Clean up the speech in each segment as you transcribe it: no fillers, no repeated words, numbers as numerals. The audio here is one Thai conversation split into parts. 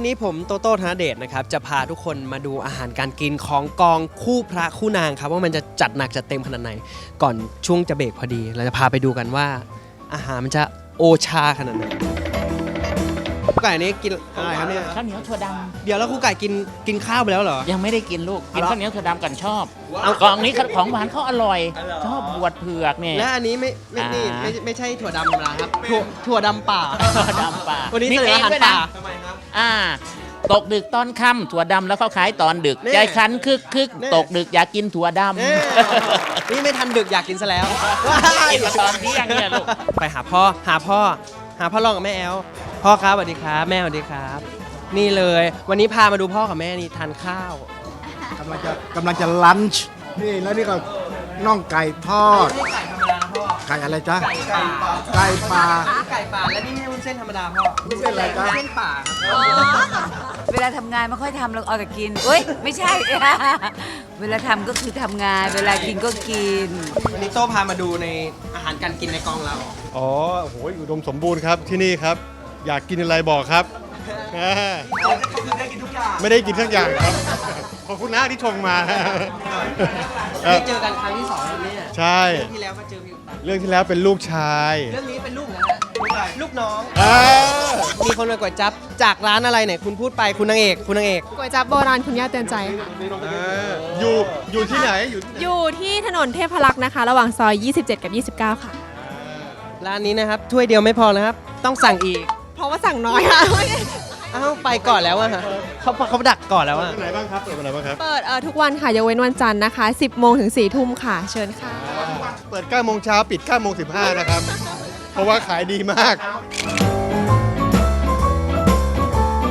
นี้ผมโตโต้ธนเดชนะครับจะพาทุกคนมาดูอาหารการกินของกองคู่พระคู่นางครับว่ามันจะจัดหนักจัดเต็มขนาดไหนก่อนช่วงจะเบรกพอดีเราจะพาไปดูกันว่าอาหารมันจะโอชาขนาดไหนครูไก่นี้กินอะไรครับเนี่ยข้าวเหนียวถั่วดเดี๋ยวแล้วครูไก่กินข้าวไปแล้วเหรอำยังไม่ได้กินลูกกินเอาเหรอข้าวเหนียวถั่วดำกันชอบเอากล่องนี้ของหวานเขาอร่อย ชอบบวชเผือกเนี่ยและอันนี้ไม่ใช่ถั่วดำธรรมดาครับถั่วดำป่าถั่วดำป่าวันนี้มีเสนออาหารด้วยป่านะตกดึกตอนค่ำถั่วดำแล้วเขาขายตอนดึกนี่ใจคันคึกนี่ตกดึกอยากกินถั่วดำเอ้ยนี่ไม่ทันดึกอยากกินซะแล้วกินมาตอนเที่ยงเนี่ยลูกไปหาพ่อรองกับแม่แอลพ่อครับสวัสดีครับแม่สวัสดีครับ นี่เลยวันนี้พามาดูพ่อกับแม่นี่ทานข้าวกำลังจะลันช์นี่แล้วนี่ก็น่องไก่ทอดไม่ใช่ไก่ธรรมดาพ่อไก่อะไรจ๊ะไก่ป่าไก่ปลาไก่ป่าและนี่ไม่ใช่วุ้นเส้นธรรมดาพ่อวุ้นเส้นอะไรจ๊ะเส้นป่าครับเวลาทำงานไม่ค่อยทำเราเอาแต่กินเอ้ยไม่ใช่ เวลาทำก็คือทำงาน เวลากินก็กินวันนี้โต้พามาดูในอาหารการกินในกองเราอ๋อโอ้โหอุดมสมบูรณ์ครับที่นี่ครับ อยากกินอะไรบอกครับอ่าได้กินทุกอย่างไม่ได้กินทั้งอย่างครับ ขอบคุณนะที่ชงมาเอได้อเจอกันครั้งที่2แล้วเนี่ยใช่เรื่องที่แล้วมาเจอพี่อุ๊บเรื่องที่แล้วเป็นลูกชายเรื่องนี้เป็นลูกนะฮะลูกน้องอ่ามีคนมาก๋วยจั๊บจากร้านอะไรเนี่ยคุณพูดไปคุณนางเอกก๋วยจั๊บโบราณคุณย่าเตือนใจค่ะอยู่ที่ไหนอยู่ที่ไหนอยู่ที่ถนนเทพรักษ์นะคะ ระหว่างซอย 27 กับ 29 ค่ะร้านนี้นะครับถ้วยเดียวไม่พอนะครับ ต้องสั่งอีกเพราะว่าสั่งน้อยค่ะอ้าวไปก่อนแล้วอะฮะเขาดักก่อนแล้วอะที่ไหนบ้างครับเปิดวันไหนบ้างครับเปิดทุกวันค่ะยกเว้นวันจันทร์นะคะ 10 โมงถึง 4 ทุ่มค่ะ เชิญค่ะเปิด9โมงเช้าปิด9โมง15นะครับ เพราะว่าขายดีมาก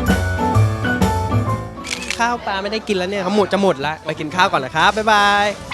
ข้าวปลาไม่ได้กินแล้วเนี่ยเขาจะหมดแล้วไปกินข้าวก่อนนะครับบ๊ายบาย